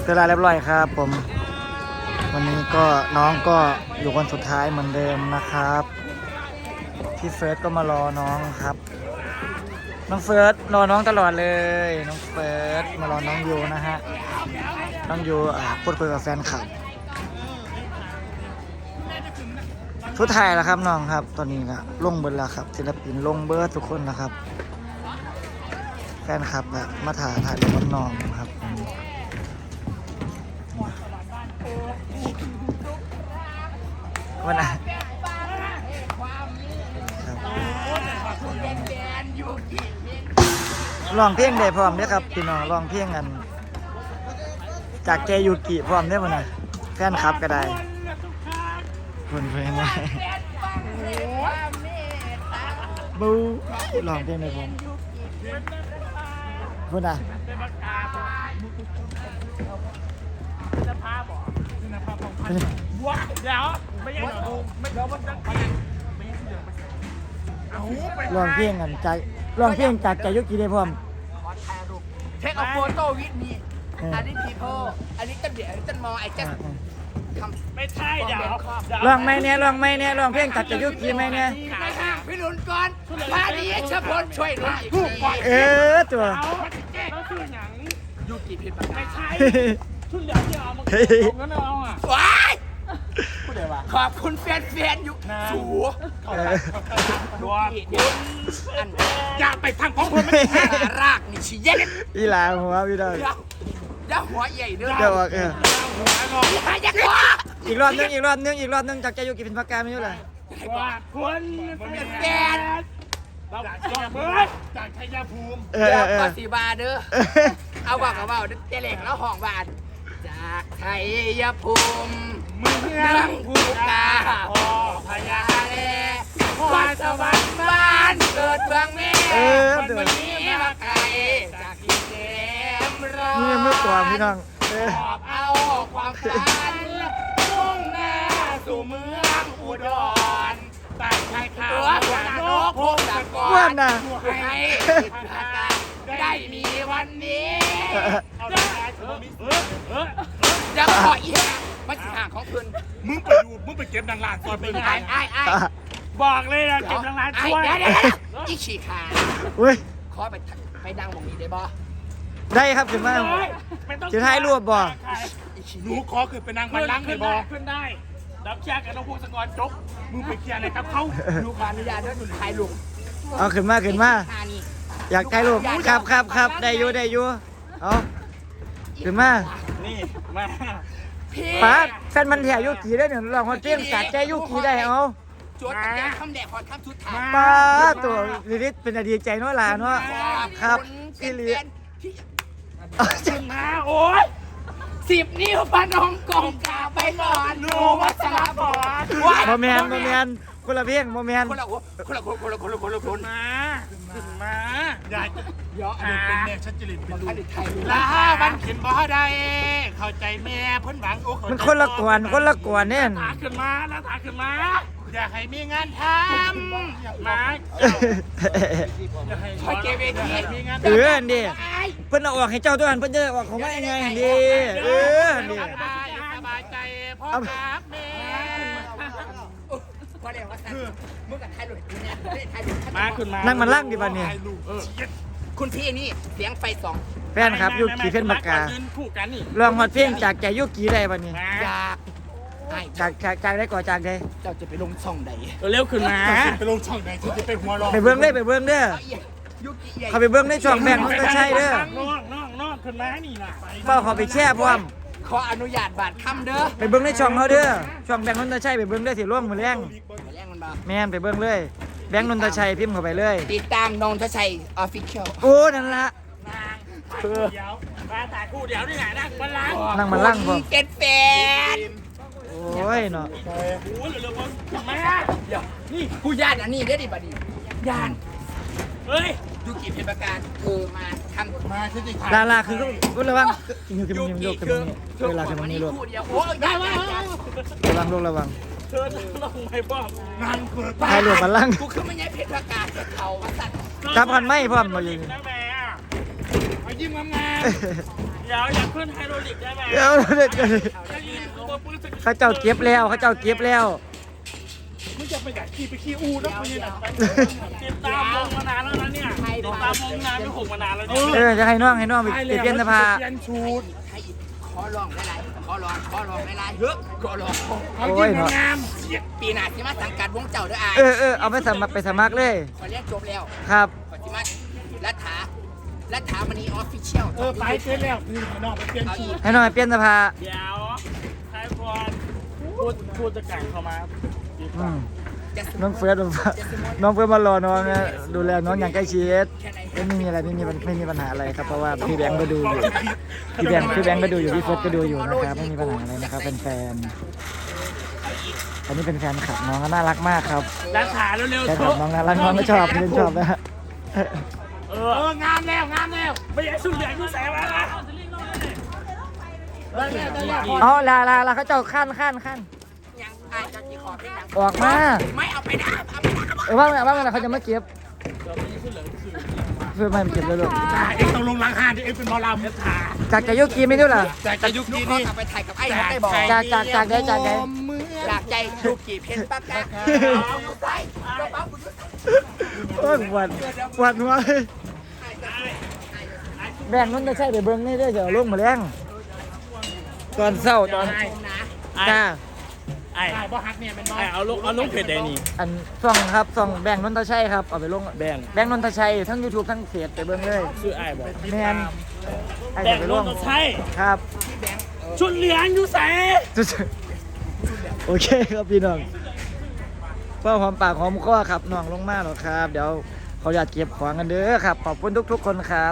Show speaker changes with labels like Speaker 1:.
Speaker 1: เวลาเรียบร้อยครับผมวันนี้ก็น้องก็อยู่คนสุดท้ายเหมือนเดิมนะครับพี่เฟิร์สก็มารอน้องครับน้องเฟิร์สรอน้องตลอดเลยน้องเฟิร์สมารอน้องยูนะฮะน้องยูพูดคุยกับแฟนคลับทุกถ่ายแล้วครับน้องครับตอนนี้นะลงเบิร์ดแล้วครับศิลปินลงเบิร์ดทุกคนนะครับแฟนคลับมาถ่ายรูปกับน้องครับวันไหนลองเพลงได้พร้อมเนี่ยครับพี่น้องลองเพลงกันจากเจยูกิพร้อมได้ป่ะนะแฟนคลับก็ได้คนเพลงไงบูลองเพลงได้พร้อมพูดนะ
Speaker 2: เดี๋ยวไม่ยังไม่เดี๋ยวมันจะไป
Speaker 1: ลองเพลงกันจากลองเพลงจากเจยูกิได้พร้อม
Speaker 3: เทคเอาโฟโต้วิดมีอันนี้พีโพอันนี้ต้นเดี๋ยวต้นมอไอ้เจ้าทำ
Speaker 2: ไม่ใช่เดี๋ยว
Speaker 1: ลองไหมเนี่ยลองไหมเนี่ยลองเพลงจากเจยูกิไหมเนี่ย
Speaker 3: ไม่ห่างพี่หลุนก่อนพาดีเฉพาะช่วยหลุนอีก
Speaker 1: ตัว
Speaker 2: แล้วคือหนัง
Speaker 3: ยูกิผิดปาก
Speaker 2: ไม่ใช่ชุดเหลืองที่เอามาเอางั้นเอาอ่ะ
Speaker 3: ว้ายขอบคุณแฟนๆอยู่สู
Speaker 2: ดู
Speaker 3: อันอย่าไปทางของคนไม่ได้รากนี่ชี้เย็น
Speaker 1: อีหลาหัวพี่ดาว
Speaker 3: อย่าหัวใหญ่เด้อ
Speaker 1: เดี๋ยว
Speaker 3: อย่าหัว
Speaker 1: อีกรอบนึงจากเจยูกิเป็นปากกาไม่ใช่เหรอ
Speaker 2: ว่าคน
Speaker 3: เป็นแฟน
Speaker 2: เราจากเบิร์ดจากชัยภูมิ
Speaker 3: ภาษีบาเด้อเอาบอกกับว่าเจเล็กแล้วห้องบาทจากชัยภูมิ
Speaker 2: เมืองภูกาพ่อพญาแล
Speaker 3: วาสวรรค์บ้านเกิดเมืองแม่วันนี้มาไกลจากที่เต็มร้อน
Speaker 1: นี่เมื่อก่อนพี่น้อง
Speaker 3: ขอบเอาความฝันมุ่งหน้าสู่เมืองอุดรตัดชายขาวหัวนกพงศกรให้ผิดพลาดได้มีวันนี้จะขออีกมาสิห่างของคุณ
Speaker 2: มึงไปเก็บนางลานก่อนไป
Speaker 3: ไอ้
Speaker 2: บอกเลยนะเก็บนางลานช่วย
Speaker 3: อีฉีกขาขอไปดังบอกนี้ได้บ่
Speaker 1: ได้ครับถึงมาจะถ่ายรูปบ่
Speaker 2: หนูขอคือเป็นนางบัลลังก์ได้บ่ขึ้นได้ดับแชร์กับน้องพงศกรจบมึงไปเคลียร์อะไรกับเขา
Speaker 3: ดูขออนุญาตด้วยหนุนถ่ายรูป
Speaker 1: เอาขึ้นมาอยากถ่ายรูปครับได้อยู่เอาขึ้นมา
Speaker 2: นี่มา
Speaker 1: ป้าแฟนมันแถวยุกีได้หนึ่งลองมาเตี้ยงกัดใจยุกีได้เอา
Speaker 3: จวดแต่คำแดกขอคำชุดถ่าย
Speaker 1: ป้าตัวลิศเป็นอดีตใจน้อยลาเนาะครับพี่ลิศ
Speaker 3: ขึ้นมาโอ้ย10 นิ้วปนองกองกาไปนอนนูวัชรพร
Speaker 1: โมเมนคนละเพียงโมเมน
Speaker 3: คนละ
Speaker 2: มาอย่า
Speaker 3: เยอะ
Speaker 2: เป็นแม่ชัดจริตเป็นลูก
Speaker 3: ลา
Speaker 2: บันเขียนบ่ได้เข้าใจแม่เพิ่นหวัง
Speaker 1: มันคนละกวนเนี่ย
Speaker 2: ถาขึ้นมาแล้วถาขึ้นมาอยากให้มีงานทำอยากมา
Speaker 3: คอยเก็บเอง
Speaker 2: มีงาน
Speaker 1: ดิเพิ่นเอาออกให้เจ้าตัวนั้นเพิ่นจะออกของว่ายังไงดิ
Speaker 2: ดิสบายใจพ่อครับแม่
Speaker 3: พอเดี๋ยวว่ามึงกับถ่ายรูปเนี่ยถ่ายรูป
Speaker 2: มาขึ้นมา
Speaker 1: นั่งมันลั่งดิบัดนี้
Speaker 3: คุณพี่นี่เสียงไฟ2
Speaker 1: แฟนครับยุกีเพ่นปากกาลองฮอดเพลงจากใจยุกีได้บัดนี้จากได้ก่อจากได้
Speaker 3: เจ้าจะไปลงช่องใด
Speaker 2: เร็วขึ้นมาไปลงช่องใดจะไปหัวรอ
Speaker 1: ไปเบิ้งเด้อเขาไปเบิ้งในช่องแบ่งมันก็ใช่เด้อ
Speaker 2: น้องขึ้นมานี่นะ
Speaker 1: เป้าเขาไปแช่พร้อม
Speaker 3: ขออนุญาตบาดคำเด้อ
Speaker 1: ไปเบิ้งในช่องเขาเด้อช่องแบงค์นนทชัยไปเบิ้งได้ที่ร่วมมือแรงแม่นไปเบิ้งเลยแบงค์นนทชัยพิมพ์เข้าไปเลย
Speaker 3: ติดตามนนทชัยออฟฟิเชียล
Speaker 1: โอ้นั่นละ
Speaker 2: เดี๋ยวมาถ่ายคู่เดี๋ยวนี่ไง
Speaker 1: นั่งมันลั่งผม
Speaker 3: เก็ตแฟน
Speaker 1: โอ้ยเนาะ
Speaker 2: โอ้ยเร็วๆมา
Speaker 3: เดี๋ยวนี่ผู้ญาติอันนี้ได้ดิบัดนี้ญาติ
Speaker 2: เฮ้ย
Speaker 3: ยุกิเป็นประการมาทำ
Speaker 2: มาที่
Speaker 1: ลาคือก็ระวังอยู่กับมึงยกกับมึงเวลากับมึงนี่ลูก
Speaker 3: โอ้ยได้
Speaker 1: ระวัง
Speaker 2: เธอลงไม่ป้อมงานเกิด
Speaker 1: ใครหลุดมาลั่ง
Speaker 3: กูคือไม่ใช่เพชรประกาศเขาสัตว์
Speaker 1: จับกันไม่พร้อมมาอยู่
Speaker 2: นะแม่มายิ้มงาม
Speaker 3: เดี๋ยวอยากขึ้นไฮโดรลิกได้ไหม
Speaker 1: เดี๋ยวเด็ก
Speaker 3: จะยิงตัวปืนสกิล
Speaker 1: เขาเจ้าเก็บแล้วเขาเจ้าเก็บแล้ว
Speaker 2: มึงจะไปอยากขี่ไปขี่อูนะมึงเนี่ย
Speaker 3: ติดตามวงมานานแล้วนะเนี่ยติดตามวงนานไม่หกมานานแล้วเนี่ย
Speaker 1: จะให้น้องไปเปลี่ยนเสื้อผ้า
Speaker 2: เปลี่ยนชุด
Speaker 4: ให้อีกขอลองหลายๆขอลองหลายๆเยอะขอลอง
Speaker 2: เขายิ่งงามเสีย
Speaker 4: ปีหน้าสิมาสังกัดวงเจ้าเด้ออาย
Speaker 1: เอาไปสมัครเลย
Speaker 4: ขอเรียนจบแล้ว
Speaker 1: ครับ
Speaker 4: ขอสิมารัฐามณีออฟฟิเชียล
Speaker 2: ไปเสร็จแล้วคือขนมไปเปลี่ยนชุด
Speaker 1: ให้น้องไปเปลี่ยนเสื้อผ้า
Speaker 3: เดี๋ยวใครควรพูดจะแข่งเข้ามา
Speaker 1: น้องเฟิร์สน้องเฟิร์สมารอน้องนะดูแลน้องอย่างใกล้ชิดไม่มีอะไรไม่มีปัญหาอะไรครับเพราะว่าพี่แบงค์ก็ดูอยู่พี่แบงค์ก็ดูอยู่พี่เฟิร์สก็ดูอยู่นะครับไม่มีปัญหาอะไรนะครับเป็นแฟนอันนี้เป็นแฟนคลับน้องก็น่ารักมากครับ
Speaker 3: รักขาเร็ว
Speaker 1: แฟน
Speaker 3: ๆ
Speaker 1: คลับน้องน่ารักน้องก็ชอบพี่เล่นชอบนะฮะ
Speaker 2: งามแล้ว
Speaker 3: ไม่อยากสุดเหลืองกูใส่มาละ
Speaker 1: อ๋อลาเขาเจ้าขั้น
Speaker 4: ยังอายจะกี่ขอเป็นยัง
Speaker 1: ออกมา
Speaker 4: ไม่เอาไปนะเอาไปนะ
Speaker 1: ว่างเขาจะมาเก็บเพื่อไม่เก็บเลยลูก
Speaker 2: เอ็งต้องลงล้างห้านที่เอ็งเป็นหมอลำเนี่ยถ่า
Speaker 1: จากจะยุกีไม่รู้ล่ะ
Speaker 2: แต่จะยุค
Speaker 4: ลูก
Speaker 2: นี้
Speaker 4: ขอ
Speaker 2: นี่
Speaker 4: กลับไปถ่ายกับไอ้เขาได้บอก
Speaker 1: จากได้
Speaker 4: จากใจลูกกี่เพชรปากกาเอาอยู่ใส่กระเป๋าคุณยุทธ
Speaker 1: โอ้ยหวัดหัวเลยแบ่งนู้นจะใช่เดี๋ยวเบิ้งนี่ได้เดี๋ยวลงมาแรงตอนเศร้าตอน
Speaker 4: นะ
Speaker 1: จ้า
Speaker 3: ไอ้
Speaker 2: ได้บ่ฮักเนี่ยเป็นน้อย
Speaker 3: เอาลูกเพจแดนี่
Speaker 1: อันส่องครับส่องแบ่งนนทชัยครับเอาไปลง
Speaker 3: แบ่ง
Speaker 1: แบ่งนนทชัยทั้ง YouTube ทั้งเฟซไปเบิ้งเลย
Speaker 3: ชื่อไอ้บอก
Speaker 1: แมนไอ้
Speaker 3: แบ่
Speaker 1: จะ
Speaker 3: ง
Speaker 1: ไป
Speaker 3: ร
Speaker 1: ล
Speaker 3: ถ
Speaker 1: ง
Speaker 3: ต้องใช้
Speaker 1: ครับ
Speaker 3: ชุดเหลืองอยู่ใส่
Speaker 1: โอเคครับพี่น้องเพื่อหอมปากหอมคอครับน้องลงมาหรอกครับ เดี๋ยวเขาอยากเก็บของกันเด้อครับขอบคุณทุกๆคนครับ